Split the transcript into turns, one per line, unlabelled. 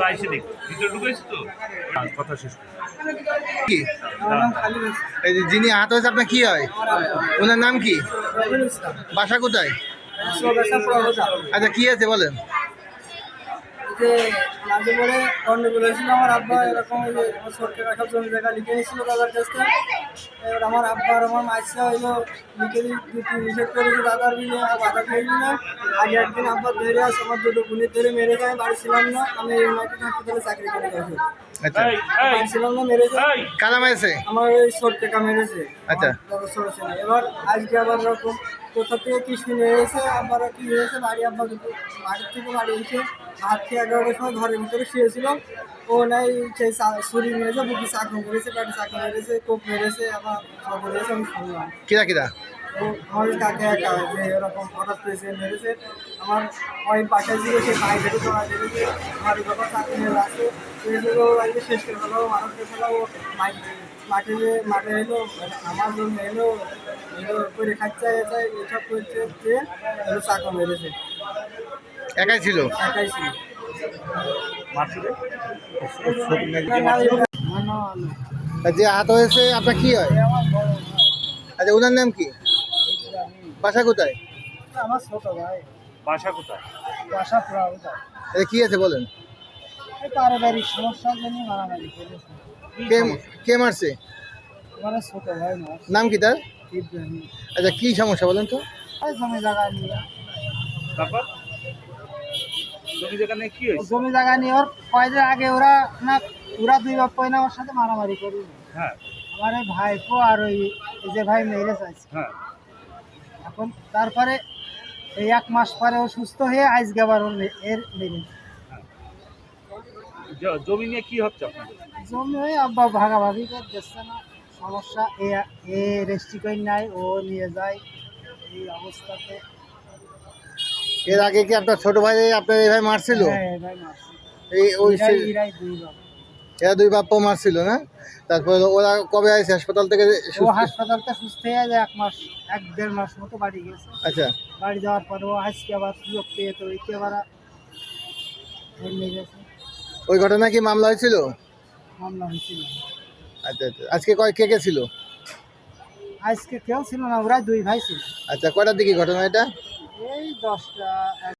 আমরা আইসি দেখি ভিতরে ঢুকেছি তো কথা শেষ
কি এই যে যিনি আহত হয়েছে আপনার কি হয়? ওনার নাম কি? বাসা কোথায়? আচ্ছা কি আছে বলেন।
যে মাঝে পরে গন্ডগোল হয়েছিল, আমার আব্বা এরকম সরকার রাখার জমি জায়গা লিখে নিয়েছিল দাদার কাছ থেকে। এবার আমার আব্বা আর আমার মাইসা হইলো লিখে নিষেধ করেছে দাদার বিলে বাধা খেয়ে দিলাম। আগে একদিন আব্বা ধরে আসে, আমার দুটো গুলি ধরে মেরে যায়, বাড়ি ছিলাম না, আমি ইউনাইটেড হাসপাতালে চাকরি করে গেছি।
আচ্ছা
বাড়ি ছিলাম না, মেরেছে।
কারা মেরেছে?
আমার ওই ছোট টাকা মেরেছে।
আচ্ছা
ছোট ছিল। এবার আজকে আবার এরকম কোথা থেকে কি শুনে এসে আবার কি হয়েছে, বাড়ি আব্বা বাড়ির থেকে বাড়ি এসে ভাত খেয়ে 11টার সময় ঘরের ভিতরে শুয়েছিলাম। ও নাই সেই ছুরি মেরেছে, বুকি চাকু মেরেছে, পেটে চাকু মেরেছে, কোপ মেরেছে, আবার সব মেরেছে। আমি শুনলাম
কিরা কিরা
ও আমার কাকে একা যে এরকম হঠাৎ পেয়েছে মেরেছে। আমার ওই বাসায় ছিল, সে ভাই ধরে চড়া দিয়েছে, আমার বাবা চাকরি নিয়ে আসে ও আজকে শেষ করে ফেলো, মানুষকে ফেলো। ও মাঠে এলো, আমার জন্য এলো করে খাচ্ছে এসব করছে, চাকু মেরেছে।
একাই ছিল?
একাই ছিল।
যে আহত হয়েছে আপনার কি হয়? আচ্ছা ওনার নাম কি? বাসা কোথায়?
আমার ছোট ভাই।
বাসা কোথায়?
বাসা পুরা কোথায়?
কি আছে বলেন।
পারিবারিক সমস্যার জন্য মারামারি করেছে।
কে মারছে?
মানে ছোট ভাই না।
নাম কি তার?
ইব্রাহিম।
আচ্ছা কি সমস্যা বলেন তো?
জমি জায়গা নিয়ে।
তারপর জমি জায়গা নিয়ে কি হয়েছে?
জমি জায়গা নিয়ে ওর কয়েকদিন আগে ওরা দুই বাপ না আমার সাথে মারামারি করি।
হ্যাঁ
আমার এই ভাইপো আর ওই যে ভাই মেরে চাইছে।
হ্যাঁ
এখন তারপরে এই 1 মাস পরে ও সুস্থ হয়ে আজকে আবার এর মেরে।
জমি নিয়ে কি হচ্ছে আপনাদের?
জমি হয়ে আব্বা ভাগাভাগি করে দিচ্ছে না, সমস্যা এ রেস্ট্রিকশন নাই, ও নিয়ে যায় এই অবস্থাতে।
এর আগে কি আপনার ছোট ভাই আপনার এই ভাই মারছিল?
হ্যাঁ ভাই মারছে।
এই ওই
এরাই দুই বাপ।
এরা দুই বাপ্পা মারছিল না? তারপরে ওরা কবে আসছে হাসপাতাল থেকে?
ও হাসপাতালতে সুস্থ হয়ে যায় 1-1.5 মাস মতো বাড়ি গেছে।
আচ্ছা
বাড়ি যাওয়ার পরে ও আজকে আবার সুযোগ পেয়ে তো একে আবার নিয়ে গেছে।
ওই ঘটনা কি মামলা হয়েছিল?
মামলা হয়েছিল।
আচ্ছা আচ্ছা আজকে কে কে ছিল?
আজকে কেউ ছিল না, ওরা দুই ভাই ছিল।
আচ্ছা কয়টার দিকে ঘটনা এটা?
এই 10টা